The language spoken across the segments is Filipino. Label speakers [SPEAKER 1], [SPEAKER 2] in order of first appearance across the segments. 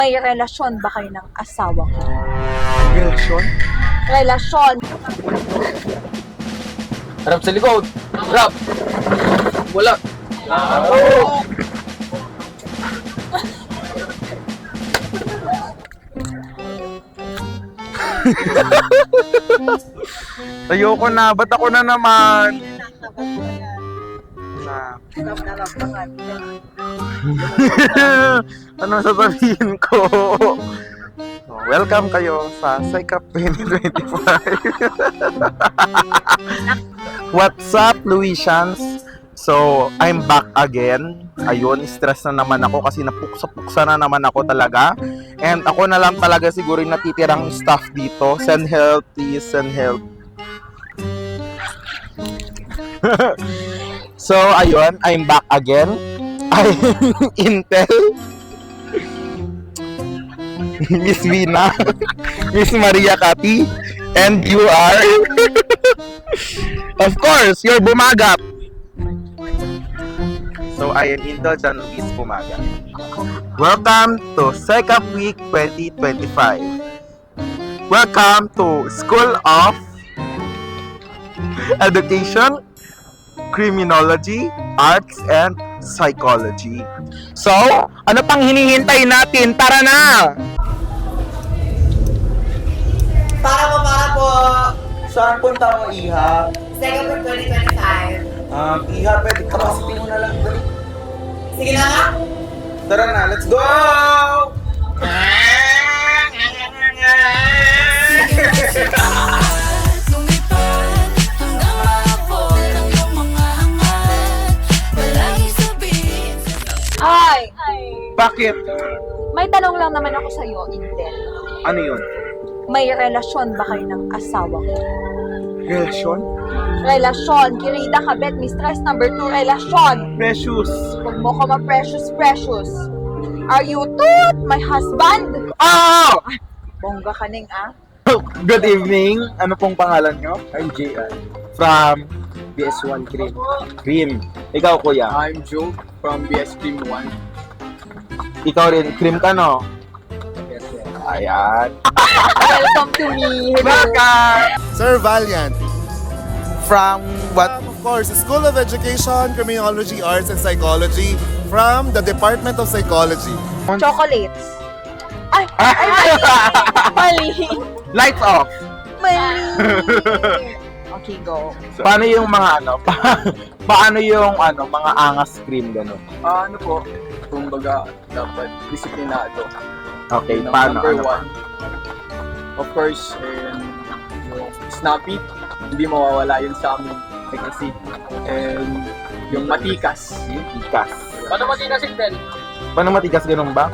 [SPEAKER 1] May relasyon ba kayo ng asawa ko?
[SPEAKER 2] Relasyon?
[SPEAKER 1] Relasyon.
[SPEAKER 2] Harap sa likod! Harap! Wala! Ayoko na, ba't ako na naman? Na. Ano sasabihin ko? Welcome kayo sa Psycup 2025. What's up, Luisians? So, I'm back again. Ayun, stress na naman ako kasi napuksa-puksa na naman ako talaga. And ako na lang talaga siguro yung natitirang staff dito. Send help, please, send help. So, ayun, I'm back again. I'm Intel. Miss Vina. Miss Maria Cati. And you are... Of course, you're Bumagap. So, I am Intel John Luis Bumagap. Welcome to Psycup Week 2025. Welcome to School of Education, Criminology, Arts, and Psychology. So, ano pang hinihintay natin? Tara na!
[SPEAKER 3] Para po.
[SPEAKER 2] Saan punta mo, Iha?
[SPEAKER 3] Second for 2025.
[SPEAKER 2] Iha, pwede capacity mo na lang. Dali.
[SPEAKER 3] Sige na nga.
[SPEAKER 2] Tara na, let's go!
[SPEAKER 4] Lumipad hanggang maabot ang iyong mga hangat. Palagi sabihin
[SPEAKER 1] Hi!
[SPEAKER 2] Bakit?
[SPEAKER 1] May tanong lang naman ako sa'yo, Intel.
[SPEAKER 2] Ano yun?
[SPEAKER 1] May relasyon ba kayo ng asawa ko?
[SPEAKER 2] Relasyon?
[SPEAKER 1] Relasyon. Kirida Kabet, mistress number 2, relasyon.
[SPEAKER 2] Precious.
[SPEAKER 1] Huwag mo ko ma-precious. Are you toot, my husband?
[SPEAKER 2] Ah!
[SPEAKER 1] Bongga ka ning, ah.
[SPEAKER 2] Good evening. Ano pong pangalan nyo?
[SPEAKER 5] I'm JR,
[SPEAKER 2] From
[SPEAKER 5] BS1 Cream.
[SPEAKER 2] Cream. Ikaw, kuya.
[SPEAKER 5] I'm Joe from BS Cream 1.
[SPEAKER 2] Ikaw rin. Cream ka, no?
[SPEAKER 5] Yes, yes.
[SPEAKER 2] Ayan.
[SPEAKER 1] Welcome to me.
[SPEAKER 2] Welcome!
[SPEAKER 6] Sir Valiant.
[SPEAKER 2] From what?
[SPEAKER 6] Of course, School of Education, Criminology, Arts, and Psychology from the Department of Psychology.
[SPEAKER 1] Chocolates. Ay, mali.
[SPEAKER 2] Lights off.
[SPEAKER 1] Mali. Okay, go.
[SPEAKER 2] Paano yung mga ano? Paano yung ano, mga angas cream gano'n?
[SPEAKER 5] Ano po, kumbaga, dapat disiplinado.
[SPEAKER 2] Okay,
[SPEAKER 5] Ng
[SPEAKER 2] paano?
[SPEAKER 5] Number
[SPEAKER 2] Ano?
[SPEAKER 5] one, of course, yung snappy, hindi mawawala yun sa amin. Kasi, and yung matikas.
[SPEAKER 2] Matigas.
[SPEAKER 5] Paano matikas yung
[SPEAKER 2] Paano matigas ganun ba?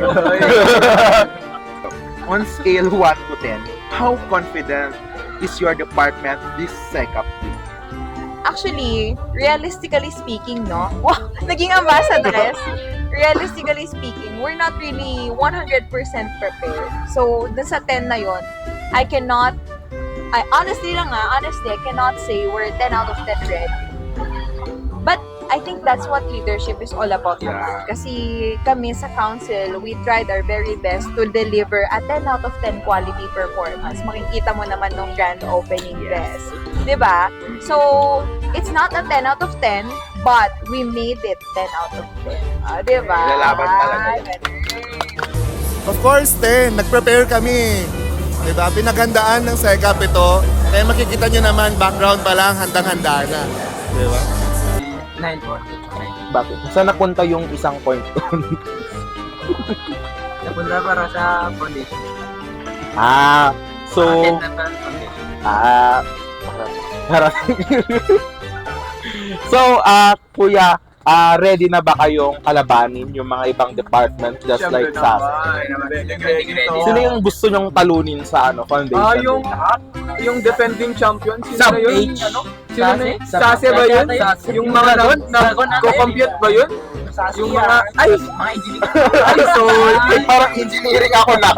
[SPEAKER 2] On scale 1 to 10, how confident is your department this Psycup week?
[SPEAKER 1] Actually, realistically speaking, no? Wow, naging ambassadress. Realistically speaking, we're not really 100% prepared. So, dun sa 10 na yon, I honestly, I cannot say we're 10 out of 10 ready. But, I think that's what leadership is all about
[SPEAKER 2] Yeah.
[SPEAKER 1] naman. Kasi kami sa council, we tried our very best to deliver a 10 out of 10 quality performance. Makikita mo naman nung grand opening dress. 'Di ba? So, it's not a 10 out of 10, but we made it 10 out of 10. 'Di ba?
[SPEAKER 2] Lalaban talaga.
[SPEAKER 6] Of course, 10. Nag-prepare kami. Diba? Pinaghandaan ng Psycup ito. Kaya makikita nyo naman, background pa lang, handang-handa na. Diba?
[SPEAKER 5] 9 po.
[SPEAKER 2] Bakit? Saan napunta yung isang point doon?
[SPEAKER 5] Napunta para sa foundation.
[SPEAKER 2] So, harap. So, kuya, ready na ba kayong kalabanin yung mga ibang department just like sa atin? Sino yung gusto nyong talunin sa foundation?
[SPEAKER 5] Yung defending champion, sino
[SPEAKER 2] Sub
[SPEAKER 5] na yun?
[SPEAKER 2] H?
[SPEAKER 5] Ano? Sino na yun? Sase ba yun? Yung mga nag-compute ba yun? Yung mga,
[SPEAKER 3] Mga engineer.
[SPEAKER 5] ay, so,
[SPEAKER 2] Parang engineering ako na.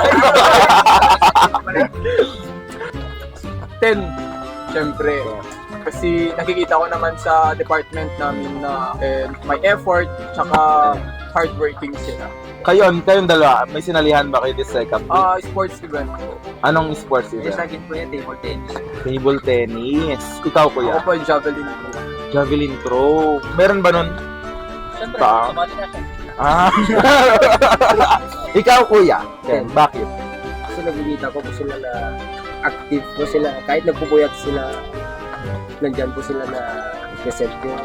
[SPEAKER 5] 10. Siyempre. Kasi nakikita ko naman sa department namin na may effort tsaka hardworking sila.
[SPEAKER 2] Kayong dalawa, may sinalihan ba kayo this second week?
[SPEAKER 5] Sports event po.
[SPEAKER 2] Anong sports
[SPEAKER 7] Eh,
[SPEAKER 2] event?
[SPEAKER 7] sa akin po yan, table tennis.
[SPEAKER 2] Table tennis. Ikaw,
[SPEAKER 5] Ako
[SPEAKER 2] kuya?
[SPEAKER 5] po, javelin po.
[SPEAKER 2] Javelin throw. Meron ba nun?
[SPEAKER 7] Siyempre,
[SPEAKER 2] Ba?
[SPEAKER 7] sumali na siya.
[SPEAKER 2] Ah. Ikaw, kuya? Ken, bakit?
[SPEAKER 7] Kasi nakikita ko po sila na active po sila. Kahit nagpupuyat sila, nandyan po sila na present yung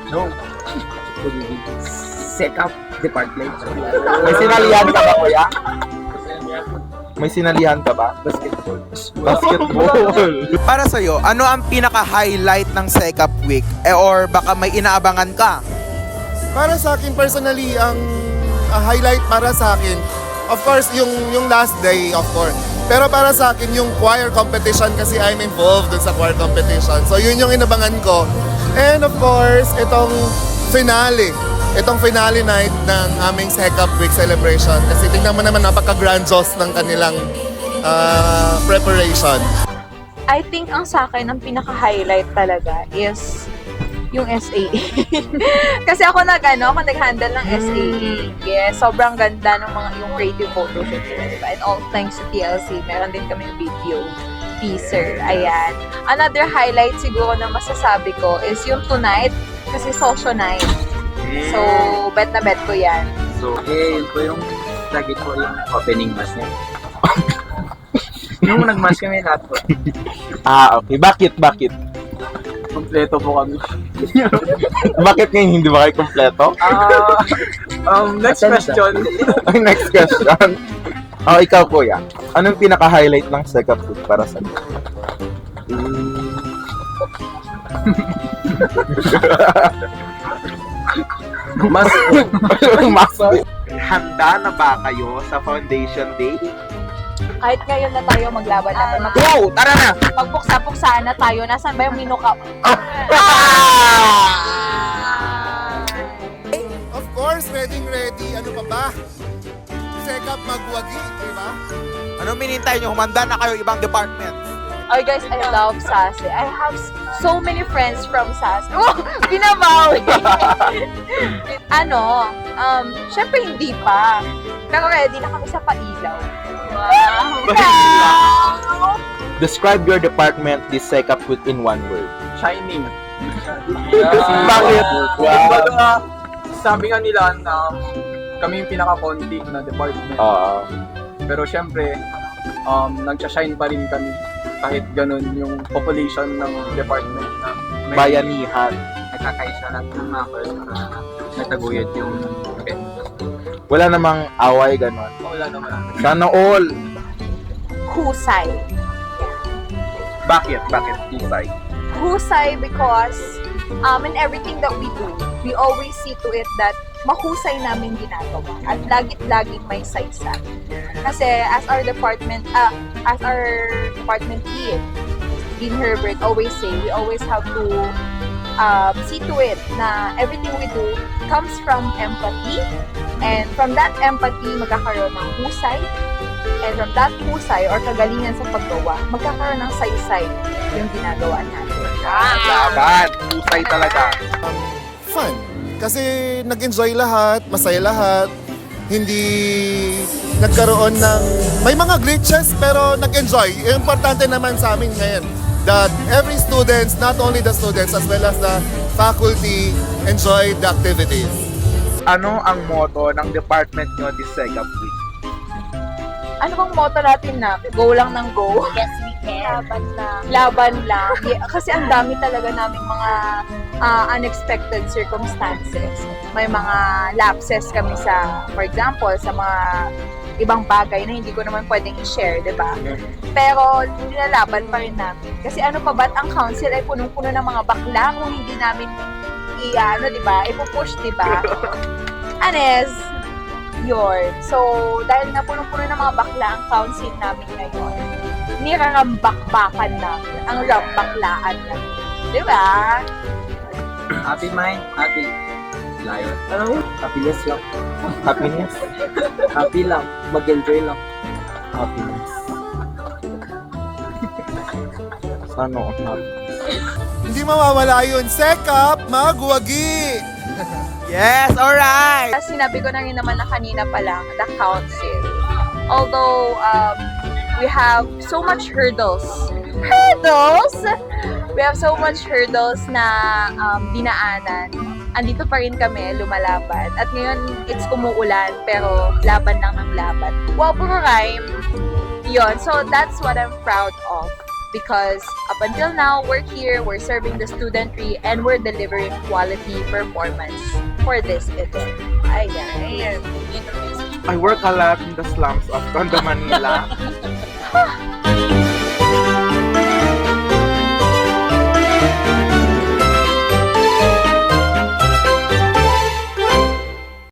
[SPEAKER 7] set up department.
[SPEAKER 2] May sinalihan ka ba, kuya? May sinalihan ka ba?
[SPEAKER 7] Basketball.
[SPEAKER 2] Basketball.
[SPEAKER 8] Para sa'yo, ano ang pinaka-highlight ng Secap Week? Or baka may inaabangan ka?
[SPEAKER 6] Para sa akin personally, ang highlight para sa akin, of course, yung last day, of course. Pero para sa akin, yung choir competition kasi I'm involved dun sa choir competition. So yun yung inabangan ko. And of course, itong finale night ng aming Secap Week celebration. Kasi tingnan mo naman, napaka-grandiose ng kanilang preparation.
[SPEAKER 1] I think ang sa akin, ang pinaka-highlight talaga is yung SAE. Kasi ako nag-handle ng SAE. Yes, sobrang ganda ng mga yung creative photo shoot nila, diba? And all thanks to TLC, meron din kami video teaser. Ayan. Another highlight siguro na masasabi ko is yung tonight, kasi social night. So, bet na bet ko yan.
[SPEAKER 7] So, yun po yung lagi po yung opening mass niya. Nung nag-mass kami lahat po.
[SPEAKER 2] Okay. Bakit?
[SPEAKER 5] Kompleto po kami.
[SPEAKER 2] Bakit ngayon hindi ba kayo kompleto?
[SPEAKER 5] Next question.
[SPEAKER 2] Ay, next question. Ikaw, kuya. Anong pinaka-highlight ng Secap Week para sa iyo?
[SPEAKER 5] Mas
[SPEAKER 2] Mas handa na ba kayo sa Foundation Day?
[SPEAKER 1] Kahit ngayon na tayo maglaban na,
[SPEAKER 2] Go! Tara na!
[SPEAKER 1] magpuksa-puksaan na tayo. Nasaan ba yung minuka?
[SPEAKER 6] Of course, ready. Ano pa ba? Secap magwagi, di ba?
[SPEAKER 8] Ano minintay nyo? Humanda na kayo ibang department.
[SPEAKER 1] Oh guys, I love Sase. I have so many friends from Sase. Oh, binabawi! Syempre hindi pa. Pero ready na kami sa pailaw. Wow!
[SPEAKER 2] Describe your department this Secap Week in one word.
[SPEAKER 5] shining.
[SPEAKER 2] Bakit?
[SPEAKER 5] Kumbaga, sabi nga nila na kami yung pinaka-konti na department. Pero syempre, nagsashine pa rin kami kahit ganun yung population ng department na may
[SPEAKER 2] Bayanihan.
[SPEAKER 7] Nagkakaisa lang ng members para nataguyod yung event.
[SPEAKER 2] Wala namang away, ganon.
[SPEAKER 5] wala naman.
[SPEAKER 2] Sana all.
[SPEAKER 1] Husay.
[SPEAKER 2] Bakit? Husay?
[SPEAKER 1] Husay because in everything that we do, we always see to it that mahusay namin ginagawa at lagit-laging may saysay. Kasi as our department head, Dean Herbert always say, we always have to see to it na everything we do comes from empathy, and from that empathy magkakaroon ng husay, and from that husay or kagalingan sa paggawa, magkakaroon ng saysay yung ginagawa natin.
[SPEAKER 2] Laban. Husay talaga.
[SPEAKER 6] Fun. Kasi nag-enjoy lahat, masaya lahat. Hindi nagkaroon ng... May mga glitches pero nag-enjoy. Importante naman sa amin ngayon that every students, not only the students as well as the faculty, enjoy the activities.
[SPEAKER 2] Ano ang motto ng department nyo this Secap Week?
[SPEAKER 1] Ano bang motto natin na? Go lang ng go? Yes, we can. Laban lang. Yeah, kasi ang dami talaga naming mga unexpected circumstances. May mga lapses kami sa, for example, sa mga ibang bagay na hindi ko naman pwedeng i-share, di ba? Pero nilalaban pa rin namin. Kasi ano pa ba't ang council ay punong-puno ng mga bakla kung hindi namin di ba? Ipupush, di ba? Anes, yun. So, dahil nga punong-puno ng mga bakla ang council namin ngayon, nirarambak-bakan namin ang rambaklaan namin. Di ba?
[SPEAKER 7] Happy mind, happy lion. Ano? Happiness lang.
[SPEAKER 2] Happiness?
[SPEAKER 7] Happy lang. Mag-enjoy lang.
[SPEAKER 2] Happiness. Sana all happy.
[SPEAKER 6] Hindi mawawala yun. Secap magwagi!
[SPEAKER 8] Yes, alright!
[SPEAKER 1] Sinabi ko na rin naman na kanina pa lang, the council. Although, we have so much hurdles. Hurdles! We have so much hurdles na dinaanan. Andito pa rin kami, lumalaban. At ngayon, it's umuulan, pero laban lang ng laban. Wow, puro rhyme. Yun. So, that's what I'm proud of. Because up until now, we're here, we're serving the studentry, and we're delivering quality performance for this event. Ayan.
[SPEAKER 2] I work a lot in the slums of Tondo, Manila.